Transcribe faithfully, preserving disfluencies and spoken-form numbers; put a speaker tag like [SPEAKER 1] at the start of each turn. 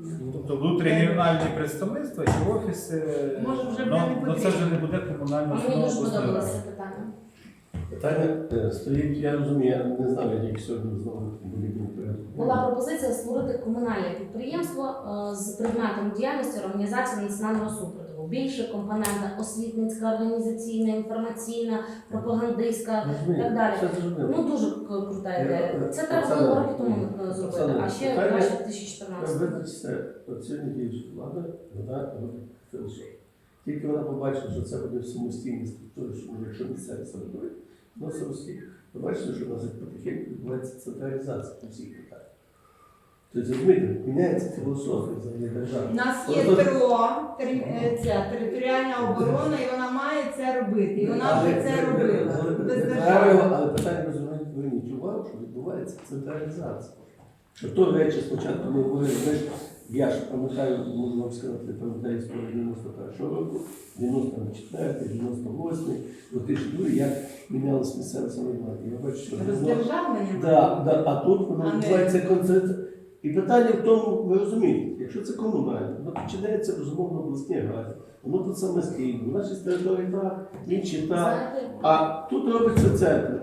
[SPEAKER 1] Тобто внутрігенеральні представництва і офіси,
[SPEAKER 2] Може, вже
[SPEAKER 1] ну,
[SPEAKER 2] не
[SPEAKER 1] ну, це вже не
[SPEAKER 2] потрібно.
[SPEAKER 1] буде комунальна
[SPEAKER 3] А мені дуже
[SPEAKER 1] установа обласної
[SPEAKER 3] подобалося
[SPEAKER 1] ради.
[SPEAKER 3] питання.
[SPEAKER 4] Питання е, стоїть, я розумію, я не знаю, я тільки сьогодні знову були
[SPEAKER 3] Була пропозиція створити комунальне підприємство е, з предметом діяльності організації національного супротиву. Більше компонента освітницька, організаційна, інформаційна, пропагандистська і так далі.
[SPEAKER 4] Все зрозуміло.
[SPEAKER 3] Ну дуже к- крута ідея. Це треба
[SPEAKER 4] Оксана,
[SPEAKER 3] було роки тому е, зробити,
[SPEAKER 4] Оксана,
[SPEAKER 3] а ще
[SPEAKER 4] питання-
[SPEAKER 3] краще в дві тисячі чотирнадцятому.
[SPEAKER 4] Визначте, от сьогодні діюча влада, вона робить філософію. Тільки вона побачила, що це буде самостійні структури, що може, якщо місцеві самоврядування, воно самостійно. Ви бачите, що у нас потихеньку відбувається централізація по всіх питаннях. Тобто, розумієте, міняється філософія взагалі держави.
[SPEAKER 2] У нас є
[SPEAKER 4] Просто-
[SPEAKER 2] ТРО, тери- е, ця територіальна оборона, і вона має це робити. І вона
[SPEAKER 4] Але-
[SPEAKER 2] вже це
[SPEAKER 4] але-
[SPEAKER 2] робила.
[SPEAKER 4] але-
[SPEAKER 2] Без
[SPEAKER 4] але-
[SPEAKER 2] держави.
[SPEAKER 4] Але питання ви зверніть увагу, що відбувається централізація. Що то речі спочатку ми говорили, ми ж, я ж пам'ятаю, можу вам сказати, пам'ятаю історію дев'яносто першого року, дев'яносто четвертий, дев'яносто восьмий, дві тисячі другий, як мінялось місцеве самоврядування. Я бачу, що воно-
[SPEAKER 2] Роздержавлення.
[SPEAKER 4] Да, да, а тут воно
[SPEAKER 2] А не-
[SPEAKER 4] відбувається концентрація. І питання в тому, ви розумієте, якщо це комунальне, воно починається безумовно в обласній раді, воно тут самостійно, в нашій території так, в іншій так,
[SPEAKER 3] Знаєте,
[SPEAKER 4] а тут робиться центр.